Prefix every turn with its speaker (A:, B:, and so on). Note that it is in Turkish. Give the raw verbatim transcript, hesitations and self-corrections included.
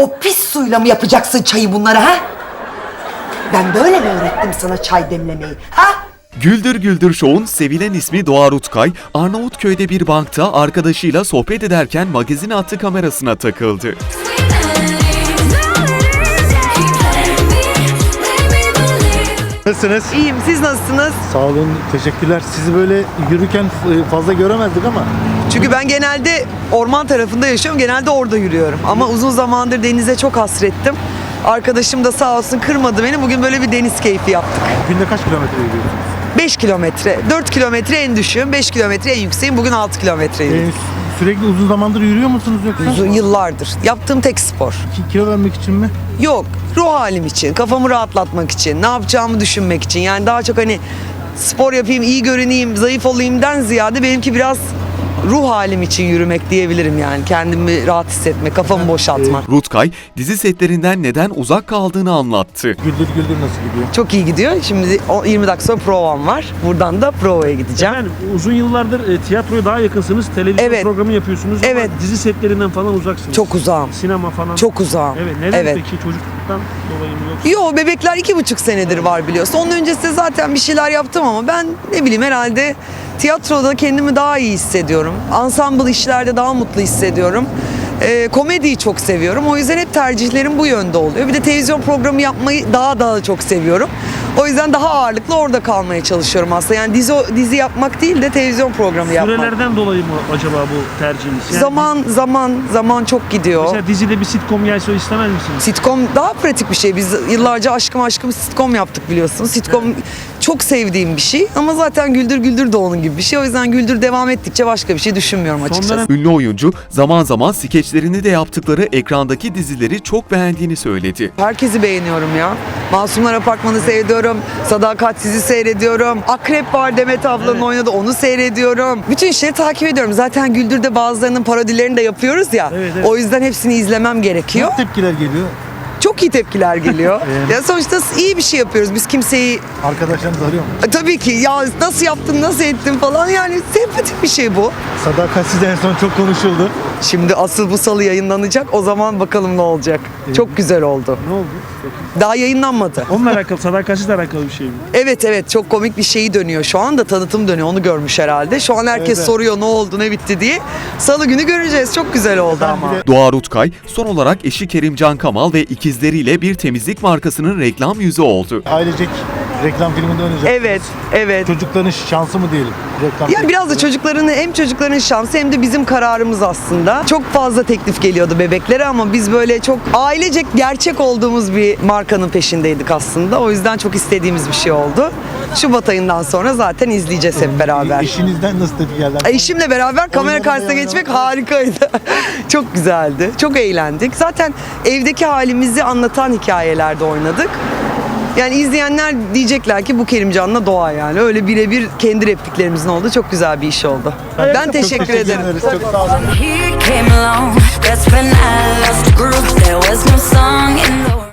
A: O pis suyla mı yapacaksın çayı bunlara ha? Ben böyle mi öğrettim sana çay demlemeyi ha?
B: Güldür Güldür Show'un sevilen ismi Doğa Rutkay, Arnavutköy'de bir bankta arkadaşıyla sohbet ederken magazin attı kamerasına takıldı.
C: Nasılsınız?
A: İyiyim, siz nasılsınız?
C: Sağ olun, teşekkürler. Sizi böyle yürürken fazla göremezdik ama.
A: Çünkü ben genelde orman tarafında yaşıyorum, genelde orada yürüyorum. Ama uzun zamandır denize çok hasrettim. Arkadaşım da sağ olsun kırmadı beni. Bugün böyle bir deniz keyfi yaptık.
C: Günde kaç kilometre yürüyorsunuz?
A: beş kilometre, dört kilometre en düşüğüm, beş kilometre en yükseğim. Bugün altı kilometre yürüdüm.
C: Ee, sürekli uzun zamandır yürüyor musunuz yoksa?
A: Uzun yıllardır. Yaptığım tek spor.
C: Ki- Kilo vermek için mi?
A: Yok, ruh halim için, kafamı rahatlatmak için, ne yapacağımı düşünmek için. Yani daha çok hani spor yapayım, iyi görüneyim, zayıf olayımdan ziyade benimki biraz ruh halim için yürümek diyebilirim yani. Kendimi rahat hissetmek, kafamı boşaltmak.
B: Rutkay, dizi setlerinden neden uzak kaldığını anlattı.
C: Güldür Güldür nasıl gidiyor?
A: Çok iyi gidiyor. Şimdi o- yirmi dakika sonra provam var. Buradan da provaya gideceğim.
D: Efendim uzun yıllardır e, tiyatroya daha yakınsınız. Televizyon
A: Evet.
D: programı yapıyorsunuz
A: Evet.
D: ama dizi setlerinden falan uzaksınız.
A: Çok uzağım.
D: Sinema falan.
A: Çok uzağım.
D: Evet. Neden
A: Evet.
D: peki? Çocukluktan dolayı mı yoksa?
A: Yo, bebekler iki buçuk senedir var biliyorsun. Onun öncesinde zaten bir şeyler yaptım ama ben ne bileyim herhalde tiyatroda kendimi daha iyi hissediyorum. Ensemble işlerde daha mutlu hissediyorum. Ee, komediyi çok seviyorum. O yüzden hep tercihlerim bu yönde oluyor. Bir de televizyon programı yapmayı daha daha çok seviyorum. O yüzden daha ağırlıklı orada kalmaya çalışıyorum aslında. Yani dizi dizi yapmak değil de televizyon programı yapmak.
D: Sürelerden dolayı mı acaba bu tercihiniz? Yani
A: Zaman zaman zaman çok gidiyor.
D: Mesela dizide bir sitcom gelse istemez misiniz?
A: Sitcom daha pratik bir şey. Biz yıllarca Aşkım Aşkım sitcom yaptık biliyorsunuz. Sitcom çok sevdiğim bir şey ama zaten Güldür Güldür de onun gibi bir şey. O yüzden Güldür devam ettikçe başka bir şey düşünmüyorum açıkçası.
D: dönem-
B: Ünlü oyuncu zaman zaman skeçlerini de yaptıkları ekrandaki dizileri çok beğendiğini söyledi.
A: Herkesi beğeniyorum ya. Masumlar Apartmanı seyrediyorum. Sadakatsiz'i seyrediyorum. Akrep var Demet ablanın
D: Evet.
A: oynadı, onu seyrediyorum. Bütün işleri takip ediyorum. Zaten Güldür'de bazılarının parodilerini de yapıyoruz ya.
D: Evet, evet.
A: O yüzden hepsini izlemem gerekiyor.
C: Ne tepkiler geliyor?
A: Çok iyi tepkiler geliyor. Ya sonuçta iyi bir şey yapıyoruz. Biz kimseyi
C: Arkadaşlarınız arıyor mu?
A: E, tabii ki ya nasıl yaptın, nasıl ettin falan, yani sempatik bir şey bu.
C: Sadakatsiz en son çok konuşuldu.
A: Şimdi asıl bu salı yayınlanacak, o zaman bakalım ne olacak. Çok güzel oldu.
D: Ne oldu?
A: Daha yayınlanmadı.
D: Onunla alakalı, sadakatsizle alakalı bir şey mi?
A: Evet evet, çok komik bir şeyi dönüyor şu anda, tanıtım dönüyor, onu görmüş herhalde. Şu an herkes
C: Evet.
A: soruyor ne oldu, ne bitti diye. Salı günü göreceğiz, çok güzel oldu ama.
C: bir de-
B: Doğa Rutkay, son olarak eşi Kerimcan Kamal ve ikizleriyle bir temizlik markasının reklam yüzü oldu.
C: Ailecek reklam filminde oynayacak.
A: Evet, evet.
C: Çocukların şansı mı diyelim? Reklam
A: Ya biraz da
C: filminde.
A: çocukların, hem çocukların şansı hem de bizim kararımız aslında. Çok fazla teklif geliyordu bebeklere ama biz böyle çok ailecek gerçek olduğumuz bir markanın peşindeydik aslında. O yüzden çok istediğimiz bir şey oldu. Şubat ayından sonra zaten izleyeceğiz hep beraber.
C: Eşinizden nasıl tepki geldi?
A: Eşimle beraber kamera
C: Oynamaya
A: karşısına
C: oynamaya.
A: geçmek harikaydı. Çok güzeldi. Çok eğlendik. Zaten evdeki halimizi anlatan hikayelerde oynadık. Yani izleyenler diyecekler ki bu Kerimcan'la Doğa yani. Öyle birebir kendi repliklerimizin olduğu çok güzel bir iş oldu. Ben teşekkür ederim.
C: ederiz. Çok sağ olun.
E: He came along, that's when I lost the groove. There was no song in the world.